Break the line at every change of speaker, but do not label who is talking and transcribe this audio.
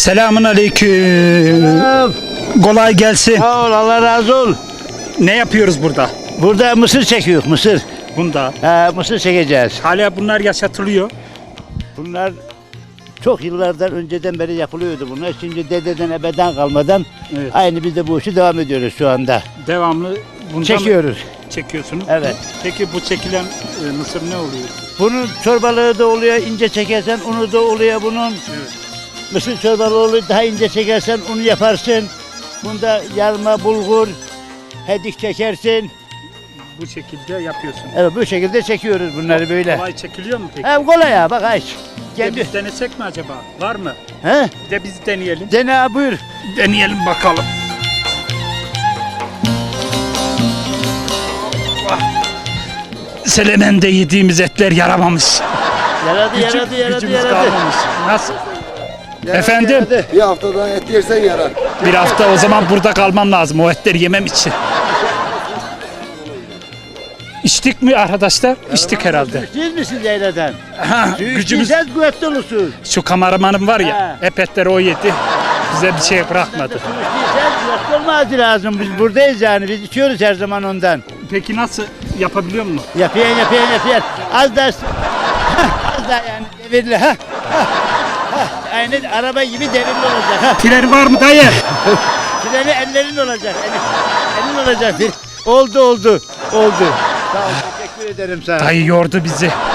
Selamun aleyküm. Kolay gelsin.
Sağ ol, Allah razı ol.
Ne yapıyoruz burada?
Burada mısır çekiyor, mısır.
Bunda.
Mısır çekeceğiz.
Hala bunlar yaşatılıyor.
Bunlar çok yıllardan önceden beri yapılıyordu bunlar. Şimdi dededen ebeden kalmadan
Evet.
aynı biz de bu işi devam ediyoruz şu anda.
Devamlı bundan
Çekiyoruz.
çekiyorsunuz.
Evet.
Peki bu çekilen mısır ne oluyor?
Bunun çorbalığı da oluyor, ince çekersen unu da oluyor bunun.
Evet.
Mısır çorbalığı oluyor, daha ince çekersen unu yaparsın. Bunda yarma, bulgur, hedik çekersin.
Bu şekilde yapıyorsun.
Evet, bu şekilde çekiyoruz bunları böyle.
Kolay çekiliyor mu peki?
Hem kolay ya, bak aç.
Bir de
Kendi.
biz denesek mi acaba? Var mı?
He?
Bir de biz deneyelim.
Dene buyur.
Deneyelim bakalım. Selemen'de yediğimiz etler yaramamış.
Yaradı.
Kalmamış. Nasıl? Efendim?
Bir haftadan et yersen yarar.
Bir hafta o zaman burada kalmam lazım o etleri yemem için. İçtik mi arkadaşlar? İçtik herhalde.
Siz misiniz yayladan?
Ha, gücümüz.
Gücümüz kuvvetli olursun.
Şu kameramanım var ya,
Ha.
hep etleri o yedi. Bize bir şey bırakmadı.
Su içtiysen kuvvetli olması lazım. Biz buradayız yani. Biz içiyoruz her zaman ondan.
Peki nasıl yapabiliyor musun?
Yapıyan. Az da az da yani devirli. Aynı araba gibi devirli olacak.
Freni var mı dayı?
Freni ellerin olacak. Elin olacak. Oldu. Sağ ol. Teşekkür ederim sana.
Dayı yordu bizi.